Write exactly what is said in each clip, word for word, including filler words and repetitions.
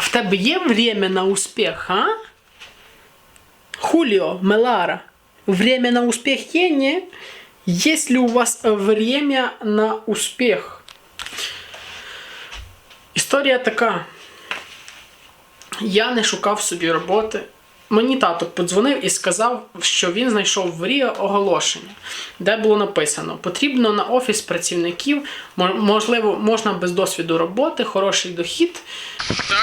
В тебе є время на успіх, а? Хуліо, Мелара. Время на успіх є, ні? Есть ли у вас время на успіх? Історія така. Я не шукав собі роботи. Мені тато подзвонив і сказав, що він знайшов в Ріо оголошення, де було написано: потрібно на офіс працівників, можливо, можна без досвіду роботи, хороший дохід. Так,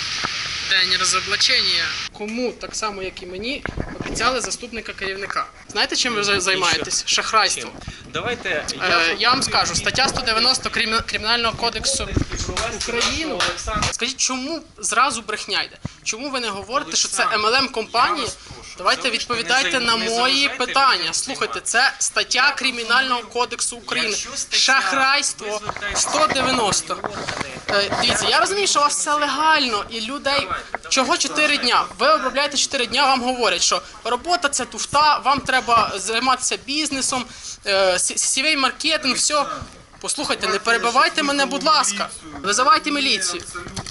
день розоблачення. Кому, так само як і мені, обіцяли заступника керівника. Знаєте, чим ви займаєтесь? Шахрайством. Давайте я, е, я вам скажу, стаття сто дев'яносто Кримінального кодексу України. Скажіть, чому зразу брехня йде? Чому ви не говорите, що це ем ел ем-компанії? Давайте відповідайте на мої питання. Слухайте, це стаття Кримінального кодексу України. Шахрайство сто дев'яносто. Е, дивіться, я розумію, що у вас все легально і людей... Чого чотири дня? Ви обробляєте чотири дня, вам говорять, що робота – це туфта, вам треба займатися бізнесом, е, сівей маркетинг, все. Послухайте, не перебивайте мене, будь ласка. Визивайте міліцію.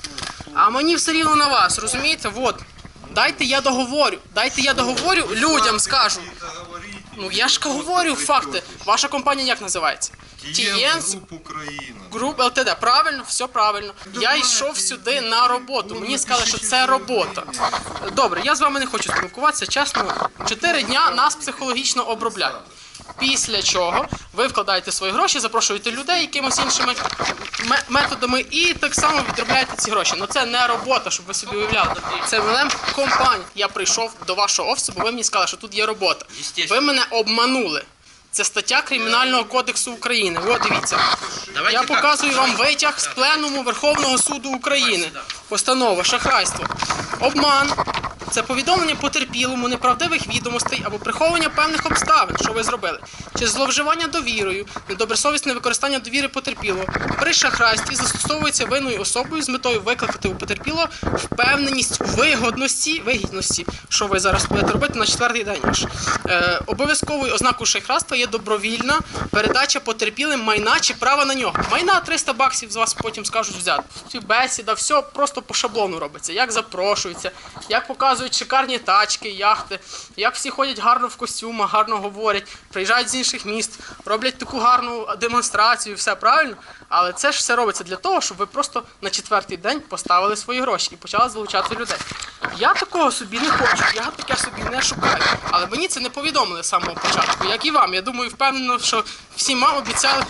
А мені все рівно на вас, розумієте? Вот. Дайте я договорю. Дайте я договорю, людям скажу. Ну я ж говорю факти. Ваша компанія як називається? Тієнс Груп ел те де. Правильно? Все правильно. Я йшов сюди на роботу. Мені сказали, що це робота. Добре, я з вами не хочу спілкуватися, чесно. Чотири дня нас психологічно обробляють. Після чого ви вкладаєте свої гроші, запрошуєте людей якимось іншими методами і так само відробляєте ці гроші. Ну це не робота, щоб ви собі уявляли. Це ем ел ем-компанія. Я прийшов до вашого офісу, бо ви мені сказали, що тут є робота. Ви мене обманули. Це стаття Кримінального кодексу України. От дивіться. Я показую вам витяг з Пленуму Верховного суду України. Постанова, шахрайство. Обман. Це повідомлення потерпілому неправдивих відомостей або приховування певних обставин, що ви зробили. Чи зловживання довірою, недобросовісне використання довіри потерпілого. При шахрайстві застосовується винною особою з метою викликати у потерпілого впевненість у вигодності, вигідності, що ви зараз будете робити на четвертий день аж. Е, обов'язковою ознакою шахрайства є добровільна передача потерпілим майна чи права на нього. Майна триста баксів з вас потім скажуть взяти. Бесіда, все просто по шаблону робиться. Як запрошується, як показують шикарні тачки, яхти, як всі ходять гарно в костюмах, гарно говорять, приїжджають з інших міст, роблять таку гарну демонстрацію, все правильно. Але це ж все робиться для того, щоб ви просто на четвертий день поставили свої гроші і почали залучати людей. Я такого собі не хочу, я таке собі не шукаю. Але мені це не повідомили з самого початку, як і вам. Я думаю, впевнено, що всім вам обіцяли.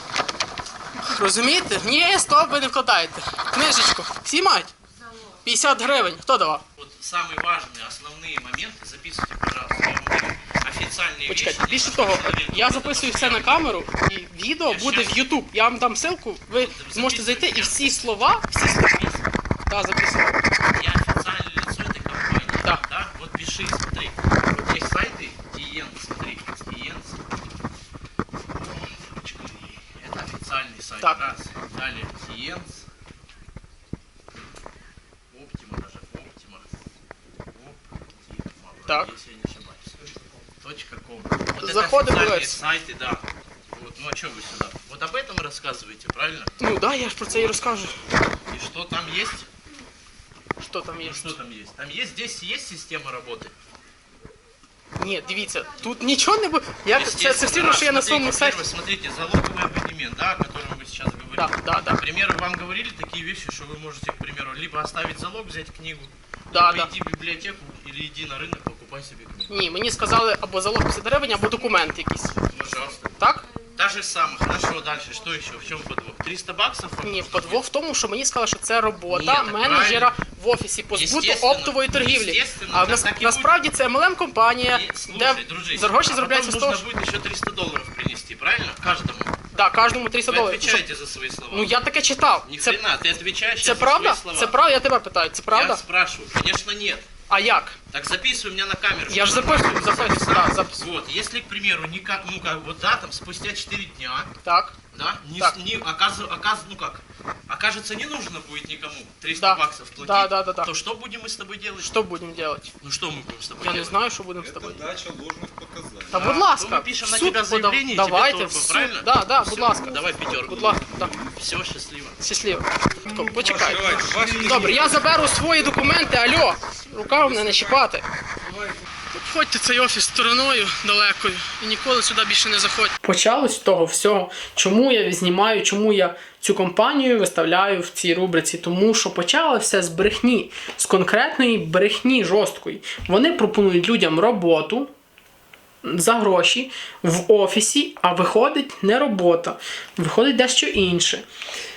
Розумієте? Ні, стоп, ви не вкладаєте. Книжечку. Всі мають? п'ятдесят гривень. Хто давав? Вот самые важные, основные моменты записывайте, пожалуйста. Я вам говорю, официальные Почекайте, вещи. більше того, я записую все на камеру, і відео буде в YouTube. Я вам дам ссылку, ви зможете зайти і всі слова, всі слова. Да, записую. Я официальное лицо этой компании. Да. Да? Вот пиши, смотри. Вот есть сайты Тиенс, смотри. Тиенс. Это официальный сайт. Так. Раз. Далее Тиенс. Оптима даже. Оптима. Оптима. Так. Если я не ошибаюсь. Точка ком. Вот Заходы это официальные бывают. сайты, да. Вот, ну а что вы сюда? Вот об этом рассказываете, правильно? Ну да, я ж про це і розкажу. И что там есть? Що там є? Ну, что там есть? Там есть, здесь есть система работы. Ні, дивіться, тут нічого не буде. Я це, це все одно, що я на своєму сайті. Первое, смотрите, залоговый абонемент, да, о котором вы сейчас говорите. Да, да, да. К примеру, вам говорили такие вещи, что вы можете, к примеру, либо оставить залог, взять книгу, Да, либо да. иди в библиотеку, или иди на рынок, покупай себе книгу. Ні, мені сказали або залог п'ятдесят гривень, або документ якийсь. Пожалуйста. Так? Та же самое. Хорошо, дальше, что еще? В чем подвох? триста баксов? вам Ні, нужно? подвох в тому, що мені сказали, що це робота Ні, так менеджера в офісі по збуту Естественно, оптової торгівлі. естественно, А так нас, так і насправді це ем ел ем-компанія, И, слушай, де дружище, за гроші а заробляється потом з того, нужно що... будет еще триста долларов принести, правильно? Каждому. Да, кожному триста Вы доларів. отвечаете за свои слова. Ну я таке читав. Ни Це, хрена, ты отвечаешь це сейчас за правда? свои слова. Це правда? Я тебе питаю, це Я правда? спрашиваю. Конечно, нет. А як? Так записывай у меня на камеру. Я ж чтобы записую, нормально записую, записал. да, записую. Вот, если, к примеру, никак, ну как, вот да, там спустя четыре дня, Так. Да? Не, Так. не оказ, оказ, ну как? Окажется, не нужно будет никому триста Да. баксов платить. Да, да, да, да. То что будем мы с тобой делать? Що будемо робити? Ну что мы будем с тобой Я не делать? знаю, що будемо з тобою. Это дача ложных показаний. Та Да, будь то ласка, ми пишемо в на суд тебе подав- заявлення, і тебе давайте, торба, в суд. правильно? Да, да, Все, будь ласка. давай пятерку. Будь ласка, да. Все, счастливо. Щасливо. То, почекайте. Давайте, ваші Добре, я заберу свої документи, альо. Рука в мене не чіпати. Обходьте цей офіс стороною далекою і ніколи сюди більше не заходьте. Почалось з того всього, чому я знімаю, чому я цю компанію виставляю в цій рубриці. Тому що почалося все з брехні, з конкретної брехні жорсткої. Вони пропонують людям роботу за гроші в офісі, а виходить не робота, виходить дещо інше.